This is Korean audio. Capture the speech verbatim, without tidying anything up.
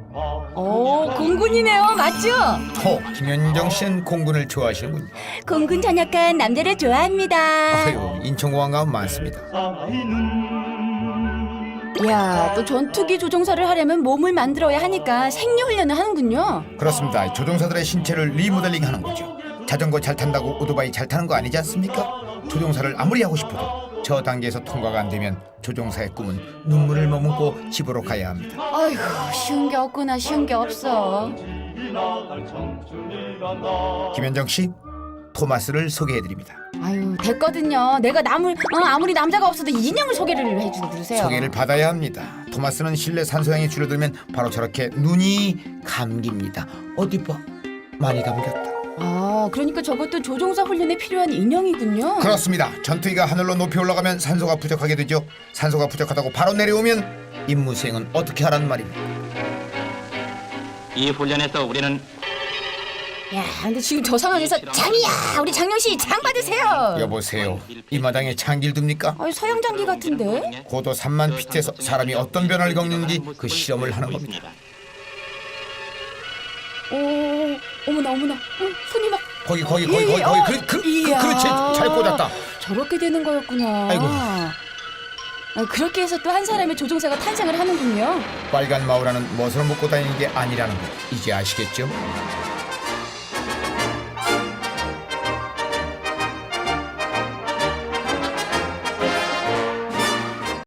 오, 공군이네요. 맞죠? 호, 김현정 씨는 공군을 좋아하시는군요. 공군 전역한 남자를 좋아합니다. 아유, 인천공항 가면 많습니다. 이야, 또 전투기 조종사를 하려면 몸을 만들어야 하니까 생리 훈련을 하는군요. 그렇습니다. 조종사들의 신체를 리모델링 하는 거죠. 자전거 잘 탄다고 오토바이 잘 타는 거 아니지 않습니까? 조종사를 아무리 하고 싶어도 저 단계에서 통과가 안 되면 조종사의 꿈은 눈물을 머금고 집으로 가야 합니다. 아이고, 쉬운 게 없구나. 쉬운 게 없어. 김현정 씨, 토마스를 소개해드립니다. 아유, 됐거든요. 내가 남을 어, 아무리 남자가 없어도 인형을 소개를 해주고 그러세요. 소개를 받아야 합니다. 토마스는 실내 산소량이 줄어들면 바로 저렇게 눈이 감깁니다. 어디 봐, 많이 감겼다. 아, 그러니까 저것도 조종사 훈련에 필요한 인형이군요. 그렇습니다. 전투기가 하늘로 높이 올라가면 산소가 부족하게 되죠. 산소가 부족하다고 바로 내려오면 임무 수행은 어떻게 하란 말입니까? 이 훈련에서 우리는 야, 근데 지금 저 상황에서 장이야, 우리 장영 씨 장 받으세요. 여보세요, 이 마당에 장기를 둡니까? 아유, 서양 장기 같은데. 고도 삼만 피트에서 사람이 어떤 변화를 겪는지 그 실험을 하는 겁니다. 오, 어머나 어머나, 어, 손이 막. 거기 거기 거기 거기 예, 거기 어, 그, 그, 그, 이야. 그렇지, 잘 꽂았다. 저렇게 되는 거였구나. 아이고. 아, 그렇게 해서 또 한 사람의 조종사가 탄생을 하는군요. 빨간 마우라는 멋을 먹고 다니는 게 아니라는 거 이제 아시겠죠?